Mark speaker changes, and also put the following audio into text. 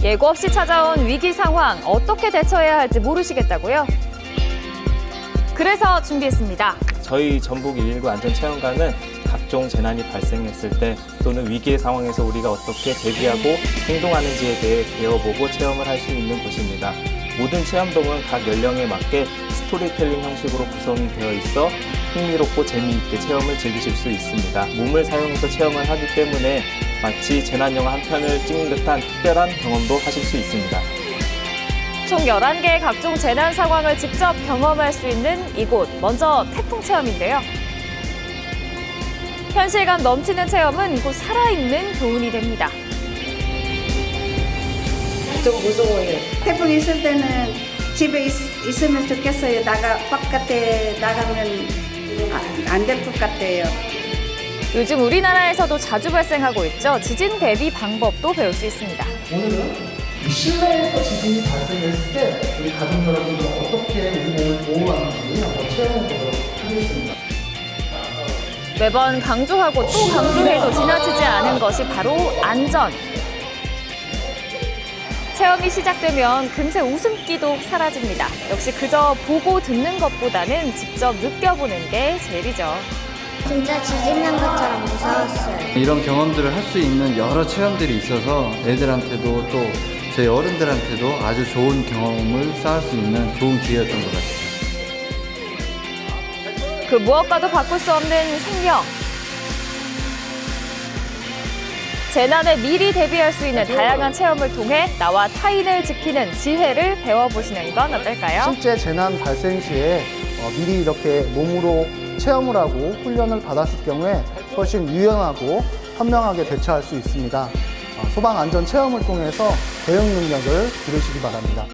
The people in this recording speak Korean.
Speaker 1: 예고 없이 찾아온 위기 상황 어떻게 대처해야 할지 모르시겠다고요? 그래서 준비했습니다.
Speaker 2: 저희 전북 119 안전체험관은 각종 재난이 발생했을 때 또는 위기의 상황에서 우리가 어떻게 대비하고 행동하는지에 대해 배워보고 체험을 할 수 있는 곳입니다. 모든 체험동은 각 연령에 맞게 스토리텔링 형식으로 구성이 되어 있어 흥미롭고 재미있게 체험을 즐기실 수 있습니다. 몸을 사용해서 체험을 하기 때문에 마치 재난영화 한 편을 찍는 듯한 특별한 경험도 하실 수 있습니다.
Speaker 1: 총 11개의 각종 재난 상황을 직접 경험할 수 있는 이곳. 먼저 태풍 체험인데요. 현실감 넘치는 체험은 곧 살아있는 교훈이 됩니다.
Speaker 3: 좀 무서워요.
Speaker 4: 태풍 있을 때는 집에 있으면 좋겠어요. 바깥에 나가면 안 될 것 같아요.
Speaker 1: 요즘 우리나라에서도 자주 발생하고 있죠. 지진 대비 방법도 배울 수 있습니다.
Speaker 5: 오늘은 이 실내에서 지진이 발생했을 때 우리 가족 여러분들 어떻게 우리 몸을 보호하는지 한번 체험해 보도록 하겠습니다.
Speaker 1: 매번 강조하고 또 강조해도 지나치지 않은 것이 바로 안전. 체험이 시작되면 금세 웃음기도 사라집니다. 역시 그저 보고 듣는 것보다는 직접 느껴보는 게 제일이죠.
Speaker 6: 진짜 지진 난 것처럼 무서웠어요.
Speaker 7: 이런 경험들을 할 수 있는 여러 체험들이 있어서 애들한테도 또 저희 어른들한테도 아주 좋은 경험을 쌓을 수 있는 좋은 기회였던 것 같아요.
Speaker 1: 그 무엇과도 바꿀 수 없는 생명. 재난에 미리 대비할 수 있는 다양한 체험을 통해 나와 타인을 지키는 지혜를 배워보시는 건 어떨까요?
Speaker 5: 실제 재난 발생 시에 미리 이렇게 몸으로 체험을 하고 훈련을 받았을 경우에 훨씬 유연하고 현명하게 대처할 수 있습니다. 소방 안전 체험을 통해서 대응 능력을 기르시기 바랍니다.